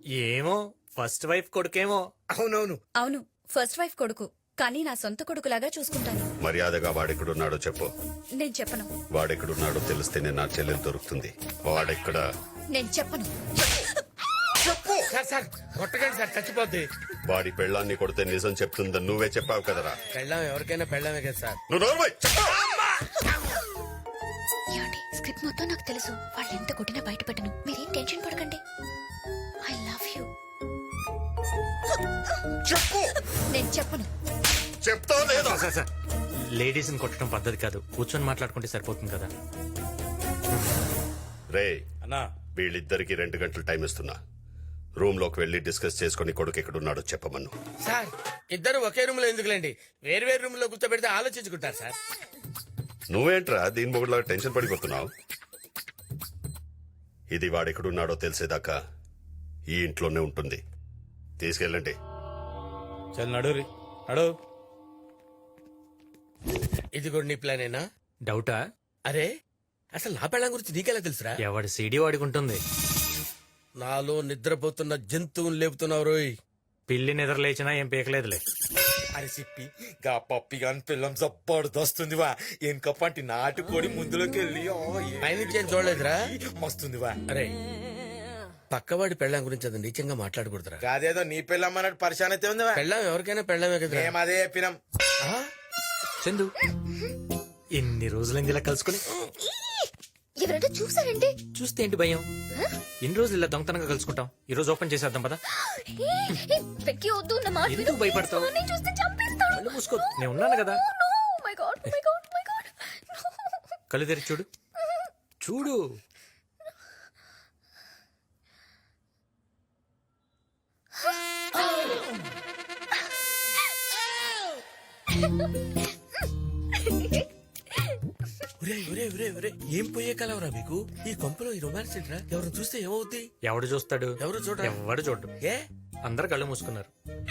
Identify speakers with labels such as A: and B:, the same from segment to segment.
A: ఏమో first wife కొడుకేమో.
B: అవునవును.
C: అవును, ఫస్ట్ వైఫ్ కొడుకు, కానీ నా సొంత కొడుకులాగా చూసుకుంటాను.
D: మర్యాదగా వాడెక్కడున్నాడో చెప్పు.
C: నేను చెప్పను.
D: వాడెక్కడున్నాడో తెలిస్తేనే నా చెల్లెలు దొరుకుతుంది. వాడెక్కడ?
C: నేను చెప్పను.
B: సార్ సార్ కొట్టకండి సార్, చచ్చిపోద్ది.
D: వాడి పెళ్ళాన్ని కొడితే నిజం చెప్తుందని నువ్వే చెప్పావు కదరా.
B: పెళ్ళాం ఎవరికైనా పెళ్ళామే కదా సార్.
D: నువ్వు నోర్మై.
C: ఏమండి, స్క్రిప్ట్ మొత్తం నాకు తెలుసు. వాళ్ళు ఎంత కొట్టినా బయట పెట్టను. మీరేం టెన్షన్ పడకండి. I love you.
D: చెప్పు.
C: నేను చెప్పను.
D: చెప్తావు లేదా?
A: సార్ సార్, లేడీస్ ని కొట్టడం పద్ధతి కాదు. కూర్చొని మాట్లాడుకుంటే సరిపోతుంది కదా.
D: రే
A: అన్నా,
D: వీళ్ళిద్దరికి 2 గంటలు టైం ఇస్తున్నా. రూమ్ లోకి వెళ్లి డిస్కస్ చేసుకుని కొడుకు ఎక్కడున్నాడో చెప్పమను.
B: సార్ ఇద్దరు ఒకే రూమ్ లో ఎందుకులేండి, వేరు వేరు రూమ్ లో కూర్చోబెడితే ఆలోచించుకుంటారు సార్.
D: నువ్వేంట్రా దీని మొగుడులాగా టెన్షన్ పడిపోతున్నావు? ఇది వాడెక్కడున్నాడో తెలిసేదాకా ఈ ఇంట్లోనే ఉంటుంది. తీసుకెళ్ళండి.
A: చల్ నడు నడు.
B: ఇది కూడా నీ ప్లానేనా?
A: డౌటా?
B: అరే అసలు నా పెళ్ళం గురించి నీకెలా తెలుసురా?
A: ఎవడి సీడీ వాడికి ఉంటుంది.
B: నాలో నిద్రపోతున్న జంతువుని లేపుతున్నావు రోయ్.
A: పిల్లి నిద్ర లేచినా ఏం పీకలేదులే.
E: అరే సిప్పి గా పప్పి గాని పిల్లం జబ్బర్దొస్తుందివా. ఎనకప్పంటి నాటుకోడి ముందులోకి వెళ్ళి
B: పైనుంచి ఏం చూడలేదురా?
E: మస్తుందివా.
B: అరే పక్కవాడి పెళ్ళం గురించి అది నీచంగా మాట్లాడకూడదురా.
E: కాదేదో నీ పిల్లం అన్నట్టు పరిశాన్ అయితే ఉందివా.
B: పెళ్ళం ఎవరికైనా పెళ్ళమే కదా.
E: మేము అదే చెప్పినాం.
A: చందు, ఎన్ని రోజులైంది ఇలా కలుసుకుని?
C: ఎవరైనా చూసారండి?
A: చూస్తే ఏంటి భయం? ఎన్ని రోజులు ఇలా దొంగతనంగా కలుసుకుంటాం. ఈ రోజు ఓపెన్ చేసేద్దాం పదా.
C: వెక్కి వద్దు, నా మాట విను.
A: ఎందుకు భయపడతావు?
C: నేను చూస్తే చంపేస్తాడు.
A: కళ్ళు మూసుకో, నేను ఉన్నాను కదా.
C: Oh my God, oh my God, oh my God.
A: కళ్ళు తెరిచి చూడు. చూడు.
B: ఏం పోయే కలవరా మీకు? ఈ కొంపలో ఈ రొమాన్స్ ఏంట్రా? ఎవరు చూస్తే ఏమవుద్ది?
A: ఎవడు చూస్తాడు?
B: ఎవరు చూడరా?
A: ఎవడు చూడు.
B: ఏ
A: అందరు కళ్ళు మూసుకున్నారు.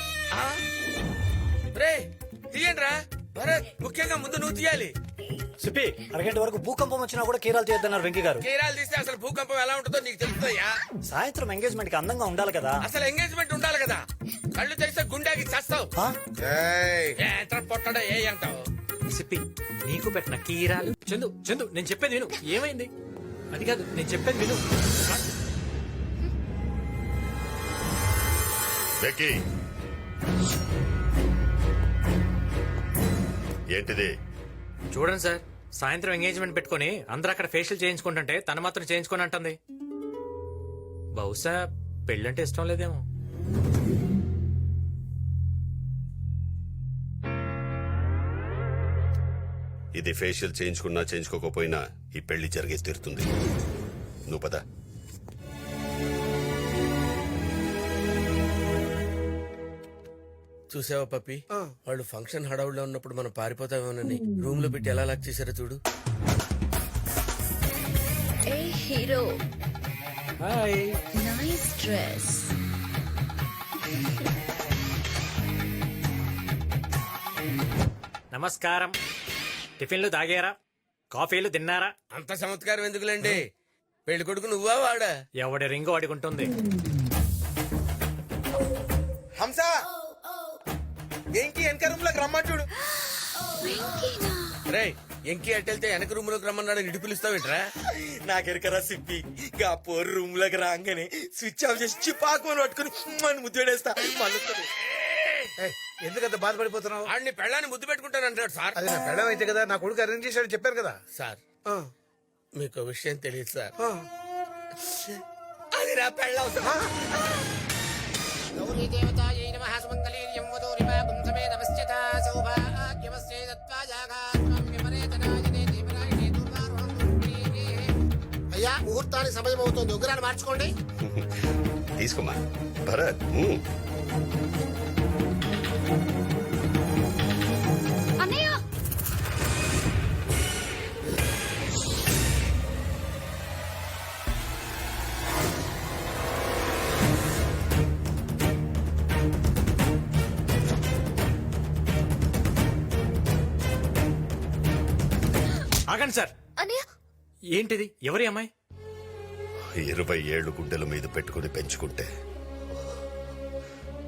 B: రే తీయండిరా. భరత్, ముఖ్యంగా ముందు నువ్వు తీయాలి.
F: సిప్పి, అరగంట వరకు భూకంపం వచ్చినా కూడా కీరాలు తీయద్దన్నారు వెంకీ గారు.
B: కీరాలు తీస్తే అసలు భూకంపం ఎలా ఉంటుందో నీకు తెలుస్తుందయ్యా.
F: సాయంత్రం ఎంగేజ్మెంట్ కి అందంగా ఉండాలి కదా.
B: అసలు ఎంగేజ్మెంట్ ఉండాలి కదా. కళ్ళు తెరిస్తే గుండెకి చేస్తావు.
F: ఆ?
B: ఎంత పొట్టడో ఏ అంటావు?
A: సిప్పి, నీకు పెట్టిన కీరాలు. చందు చందు, నేను చెప్పేది విను. ఏమైంది? అది కాదు, నేను చెప్పేది విను.
D: బెక్కీ, ఏంటిది?
A: చూడండి సార్, సాయంత్రం ఎంగేజ్మెంట్ పెట్టుకుని అందరూ అక్కడ ఫేషియల్ చేయించుకుంటుంటే తను మాత్రం చేయించుకొని అంటుంది. బహుశా పెళ్ళంటే ఇష్టం లేదేమో.
D: ఇది ఫేషియల్ చేయించుకున్నా చేయించుకోకపోయినా ఈ పెళ్లి జరిగే తీరుతుంది. నువ్వు పద.
B: చూసావా పప్పి, వాళ్ళు ఫంక్షన్ హడావుడిలో ఉన్నప్పుడు మనం పారిపోతామేమోనని రూమ్ లో పెట్టి ఎలా లాక్ చేశారో చూడు.
C: ఏ హీరో,
A: హాయ్.
C: Nice dress.
A: నమస్కారం. టిఫిన్లు తాగారా? కాఫీలు తిన్నారా?
B: అంత చమత్కారం ఎందుకులేండి. పెళ్లి కొడుకు నువ్వా వాడా?
A: ఎవడి రింగు వాడికి ఉంటుంది.
E: హంస ఏంకి వెనక రూమ్ లోకి రమ్మంటుడు.
B: రే ఎంకి అట్టెళ్తే వెనక రూమ్ లోకి రమ్మన్నాడు, ఇటు పిలుస్తావేంట్రా?
E: నాకెరకరా సిప్పి, గా పోరు రూమ్ లోకి రాగానే స్విచ్ ఆఫ్ చేసి చిపాకుని పట్టుకుని మన ముద్దేడేస్తా. మళ్ళీ
B: ఎందుకంత బాధపడిపోతున్నావు? ఆడిని పెళ్ళాన్ని ముద్దు పెట్టుకుంటానంటాడు సార్.
G: అది నా పెళ్ళం అయితే కదా, నా కొడుకు అరేంజ్ చేశాడు చెప్పారు కదా
B: సార్. మీకు విషయం తెలియదు సార్, అది నా పెళ్ళం.
G: అయ్యా, ముహూర్తానికి సమయం అవుతుంది, ఉగ్రాన్ని మార్చుకోండి.
D: తీసుకోమా భరత్.
C: అన్నయ్య,
A: ఆగండి సార్.
C: అన్నయ్య,
A: ఏంటిది? ఎవరి అమ్మాయి?
D: 20 ఏళ్లు గుడ్డల మీద పెట్టుకుని పెంచుకుంటే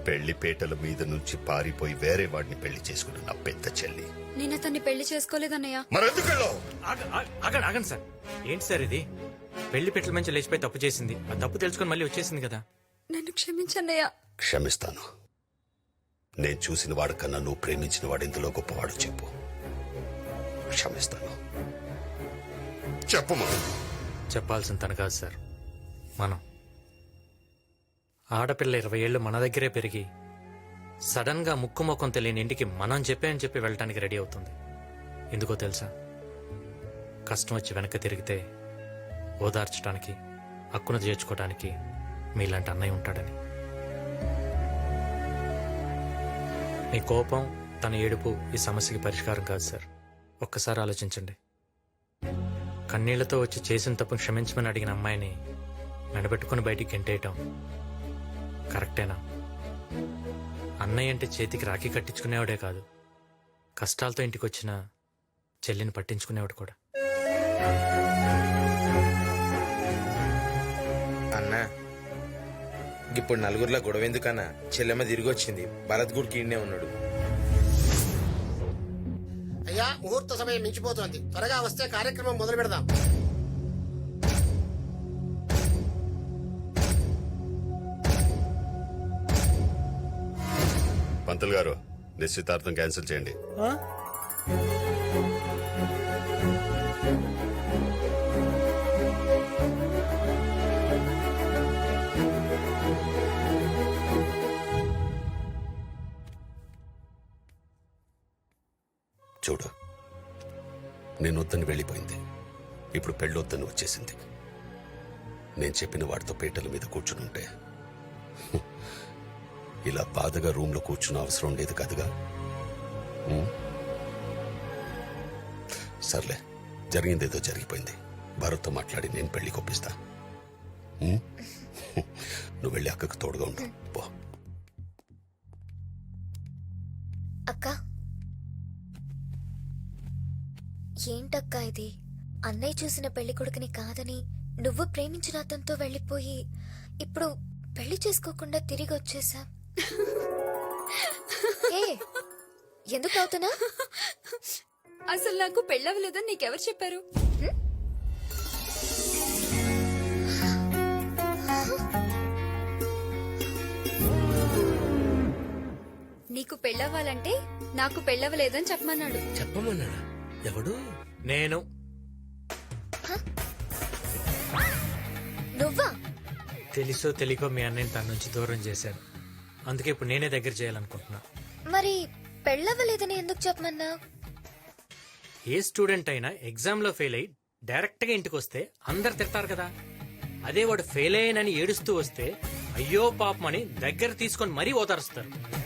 D: పెళ్లి పేటల మీద నుంచి పారిపోయి వేరే వాడిని పెళ్లి చేసుకున్న నా పెద్ద చెల్లి.
H: నేను అతన్ని పెళ్లి చేసుకోలేదన్నయ్య.
D: మరెందుకెళ్ళావు?
A: ఆగండి సార్. ఏంటి సార్ ఇది? పెళ్లి పెట్టల మంచి లేచిపోయి తప్పు చేసింది. ఆ తప్పు తెలుసుకొని మళ్ళీ వచ్చేసింది కదా.
H: నన్ను క్షమించన్నయ్య.
D: క్షమిస్తాను. నేను చూసిన వాడికన్నా నువ్వు ప్రేమించిన వాడు ఎందులో గొప్పవాడు చెప్పు. క్షమిస్తాను. చెప్పు.
A: చెప్పాల్సిన తన కాదు సార్, మనం. ఆడపిల్ల 20 ఏళ్ళు మన దగ్గరే పెరిగి సడన్ గా ముక్కు ముఖం తెలియని ఇంటికి మనం చెప్పి వెళ్ళటానికి రెడీ అవుతుంది. ఎందుకో తెలుసా? కష్టం వచ్చి వెనక్కి తిరిగితే ఓదార్చడానికి, హక్కును చేర్చుకోవడానికి మీలాంటి అన్నయ్య ఉంటాడని. మీ కోపం, తన ఏడుపు ఈ సమస్యకి పరిష్కారం కాదు సార్. ఒక్కసారి ఆలోచించండి. కన్నీళ్లతో వచ్చి చేసిన తప్పు క్షమించమని అడిగిన అమ్మాయిని మెడబెట్టుకుని బయటికి గెంటేయటం కరెక్టేనా? అన్నయ్య అంటే చేతికి రాఖీ కట్టించుకునేవాడే కాదు, కష్టాలతో ఇంటికి వచ్చిన చెల్లిని పట్టించుకునేవాడు కూడా.
E: అన్నా ఇప్పుడు నలుగురిలో గొడవ ఎందుకన్నా? చెల్లెమ్మ తిరిగి వచ్చింది, భరత్ గుడికి ఈడనే ఉన్నాడు.
G: అయ్యా ముహూర్త సమయం మించిపోతోంది, త్వరగా వస్తే కార్యక్రమం మొదలు పెడదాం.
D: పంతులు గారు, నిశ్చితార్థం క్యాన్సిల్ చేయండి. చూడు, నేను వద్దని వెళ్ళిపోయింది, ఇప్పుడు పెళ్ళొద్దని వచ్చేసింది. నేను చెప్పిన వాడితో పీటల మీద కూర్చునుంటే ఇలా బాధగా రూమ్ లో కూర్చున్న అవసరం లేదు కదగా. సర్లే, జరిగిందేదో జరిగిపోయింది. భారత్తో మాట్లాడి నేను పెళ్లి కొప్పిస్తా. నువ్వు వెళ్ళి అక్కకు తోడుగా ఉండు పో.
C: అక్క, ఏంటక్కా ఇది? అన్నయ్య చూసిన పెళ్లి కొడుకుని కాదని నువ్వు ప్రేమించిన అతనితో వెళ్ళిపోయి ఇప్పుడు పెళ్లి చేసుకోకుండా తిరిగి వచ్చేసా. ఎందుకు అవుతున్నా?
H: అసలు నాకు పెళ్ళవలేదని నీకెవరు చెప్పారు? నీకు పెళ్ళవ్వాలంటే నాకు పెళ్ళవలేదని చెప్పమన్నాడు.
B: చెప్పమన్నాడా? ఎవడు?
A: నేను.
C: నువ్వా?
A: తెలుసో తెలియకో మీ అన్నయ్యని తన నుంచి దూరం చేశాను. అందుకే ఇప్పుడు నేనే దగ్గర చేయాలనుకుంటున్నా.
C: మరి పెళ్ళవ్వలేదని ఎందుకు చెప్పమన్నా?
A: ఏ స్టూడెంట్ అయినా ఎగ్జామ్ లో ఫెయిల్ అయ్యి డైరెక్ట్ గా ఇంటికి వస్తే అందరు తిడతారు కదా. అదే వాడు ఫెయిల్ అయ్యానని ఏడుస్తూ వస్తే అయ్యో పాపమని దగ్గర తీసుకొని మరీ ఓదారుస్తారు.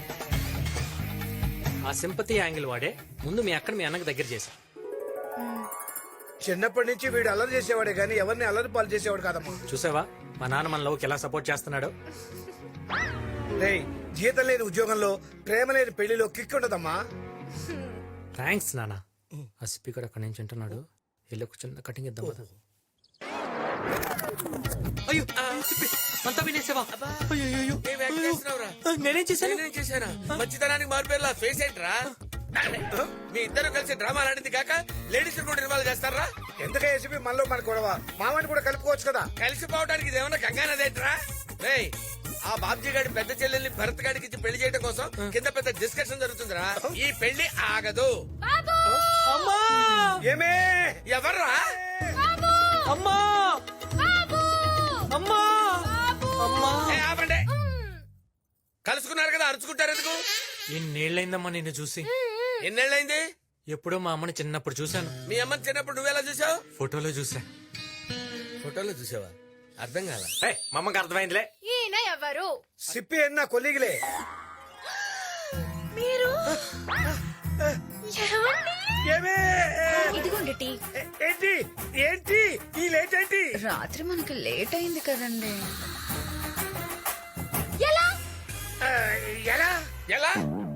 A: ఆ సింపతి యాంగిల్ వాడే ముందు మీ అక్కడ మీ అన్నకు దగ్గర చేశా.
G: చిన్నప్పటి నుంచి వీడు అల్లరి చేసేవాడే గానీ ఎవరిని అల్లరి పాలు చేసేవాడు కాదమ్మా.
A: చూసావా మా నాన్న మన లవ్కి ఎలా సపోర్ట్ చేస్తున్నాడు?
G: రేయ్, జీతం లేని ఉద్యోగంలో ప్రేమ లేని పెళ్లిలో కిక్ ఉండదమ్మా.
A: థ్యాంక్స్ నాన్న. ఆ స్పీకర్ అక్కడి నుంచి ఉంటున్నాడు, వెళ్ళి ఒక చిన్న కటింగ్ ఇద్దాం కదా. అయ్యో అంతా వినేసావా? నేనేం చేశాను?
E: మంచితనానికి మారిపోయేలా ఫేస్ ఏంట్రా? మీ ఇద్దరు కలిసి డ్రామా ఆడింది కాక లేడీస్ కూడా ఇన్వాల్వ్ చేస్తారా?
G: ఎందుకే ఏసీపీ మనలో మన గొడవ? మామని కూడా కలుపుకోవచ్చు కదా.
E: కలిసిపోవడానికి ఇదేమన్నా గంగానదేంట్రా? రేయ్, ఆ బాబ్జీ గారి పెద్ద చెల్లెల్ని భరత్ గారికి ఇచ్చి పెళ్లి చేయడం కోసం కింద పెద్ద డిస్కషన్ జరుగుతుందిరా. ఈ పెళ్లి ఆగదు.
G: ఏమే?
E: ఎవర్రా?
A: అమ్మా అమ్మా అమ్మా!
E: ఏ, ఆపండి. కలుసుకున్నారు కదా, అరుచుకుంటారు ఎందుకు?
A: ఎన్నేళ్ళైందమ్మా నిన్ను చూసి?
E: ఎన్నేళ్ళైంది?
A: ఎప్పుడో మా అమ్మని చిన్నప్పుడు చూశాను.
E: మీ అమ్మని చిన్నప్పుడు నువ్వెలా చూసావు?
A: ఫోటోలో చూసా.
B: ఫోటోలో చూసావా? అర్థం కాల.
A: మా అమ్మకి అర్థమైందిలే.
C: ఈయన ఎవరు?
G: సిప్పి అన్న కొల్లిగిలే.
C: మీరు
G: ఏమే?
H: ఇదిగోండి టీ.
G: ఏంటి ఏంటి ఈ లేట్ ఏంటి?
H: రాత్రి మనకి లేట్ అయింది కదండి.
C: ఎలా?
G: ఎలా?
E: ఎలా?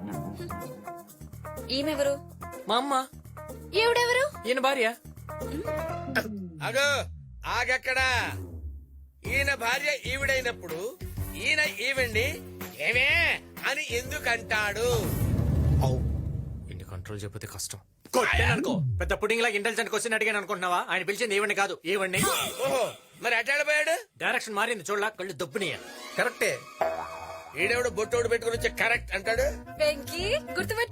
H: ఈమెవరు?
A: మా అమ్మ.
C: ఎవడెవరు?
A: ఈయన భార్య.
E: అగో ఆగక్కడా. ఈయన భార్య ఈవిడైనప్పుడు ఈయన ఈవిడ్ని ఏమే అని ఎందుకంటాడు?
A: ఇన్ని కంట్రోల్ చెప్పితే కష్టం అనుకో. పెద్ద పుడింగ్ లాగా ఇంటెలిజెంట్ క్వశ్చన్ అడిగాను అనుకుంటున్నావా? ఆయన పిలిచింది ఏవని కాదు, ఏవండి.
E: ఓహో, మరి అటాడిపోయాడు.
A: డైరెక్షన్ మారింది చూడలా, కళ్ళు దబ్బునియ.
B: కరెక్టే.
E: ఈడెవడు బొట్టోడు పెట్టుకుని వచ్చి కరెక్ట్ అంటాడు.
H: వెంకీ గుర్తుపెట్టు.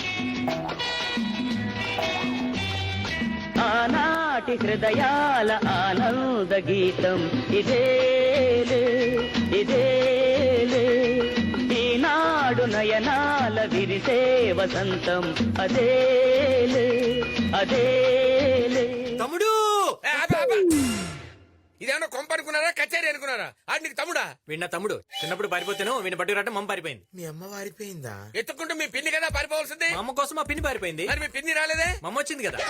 I: ఆనాటి హృదయాల ఆనంద గీతం ఇదేలే ఇదేలే, ఈనాడు నయనాల విరిసే వసంతం అదేలే అదేలే.
A: తమ్ముడు
E: ఏ, ఆపు, ఆపు. ఇదేమన్నా కొంప అనుకున్నారా, కచేరీ అనుకున్నారా? ఆడు నీకు తమ్ముడా?
A: వీణ తమ్ముడు చిన్నప్పుడు పారిపోతాను, వీణ బట్టి రావడం మమ్మ పారిపోయింది.
B: మీ అమ్మ వారిపోయిందా?
E: ఎత్తుకుంటూ మీ పిన్ని కదా పారిపోవాల్సింది.
A: మా అమ్మ కోసం మా పిన్ని పారిపోయింది.
E: మరి మీ పిన్ని రాలేదే?
A: మమ్మ వచ్చింది కదా.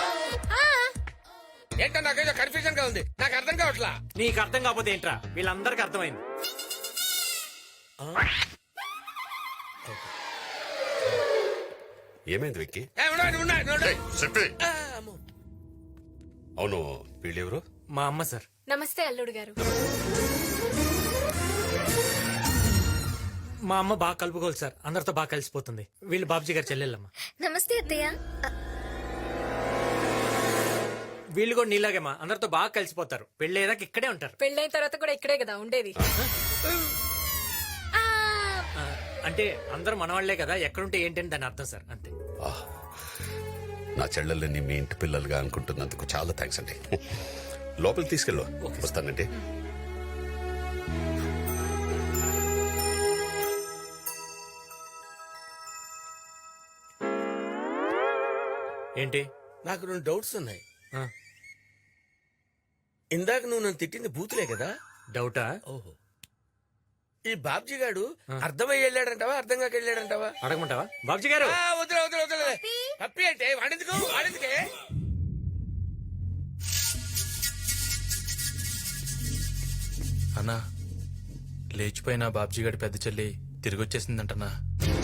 E: ఏంటో నాకేదో కన్ఫ్యూజన్ గా ఉంది, నాకు అర్థం కావట్లా.
A: నీకు అర్థం కాకపోతే ఏంట్రా, వీళ్ళందరికీ అర్థమైంది.
D: ఏమైంది వెక్కి?
E: ఏ, ఉండు, ఉండు, ఉండు, ఉండు.
D: చెప్పి.
E: ఆ, అమ్మో.
D: అవును, వీళ్ళెవరు?
A: మా అమ్మ సార్.
H: నమస్తే అల్లుడు గారు.
A: మా అమ్మ బాగా కలుపుకోవాలి సార్, అందరితో బాగా కలిసిపోతుంది. వీళ్ళు బాబుజీ గారు చెల్లెళ్ళమ్మ.
C: నమస్తే అత్తయ్య.
A: వీళ్ళు కూడా నీలాగేమా, అందరితో బాగా కలిసిపోతారు. పెళ్ళేదాకా ఇక్కడే ఉంటారు.
H: పెళ్ళైన తర్వాత కూడా ఇక్కడే కదా ఉండేది.
A: ఆ, అంటే అందరూ మనవాళ్లే కదా, ఎక్కడుంటే ఏంటని దాని అర్థం సార్, అంతే.
D: ఆహ్, నా చెల్లెళ్ళని మీ ఇంటి పిల్లలుగా అనుకుంటున్నందుకు చాలా థ్యాంక్స్ అండి. లోపలికి తీసుకెళ్ళు. వస్తానండి.
A: ఏంటి?
B: నాకు 2 డౌట్స్ ఉన్నాయి.
A: ఆ,
B: ఇందాక నువ్వు నన్ను తిట్టింది బూతులే కదా?
A: డౌటా?
B: ఓహో. ఈ బాబ్జీ గాడు అర్థమై వెళ్ళాడంటావా, అర్థం కాక వెళ్ళాడంటావా?
A: అడగమంటావా బాబుజీ గారు?
E: ఆ, వదిలే, వదిలే, వదిలే. పప్పి అంటే వాడెందుకు, వాడెందుకే?
J: అన్నా, లేచిపోయిన బాబ్జీ గడి పెద్ద చెల్లి తిరిగి వచ్చేసిందంటనా?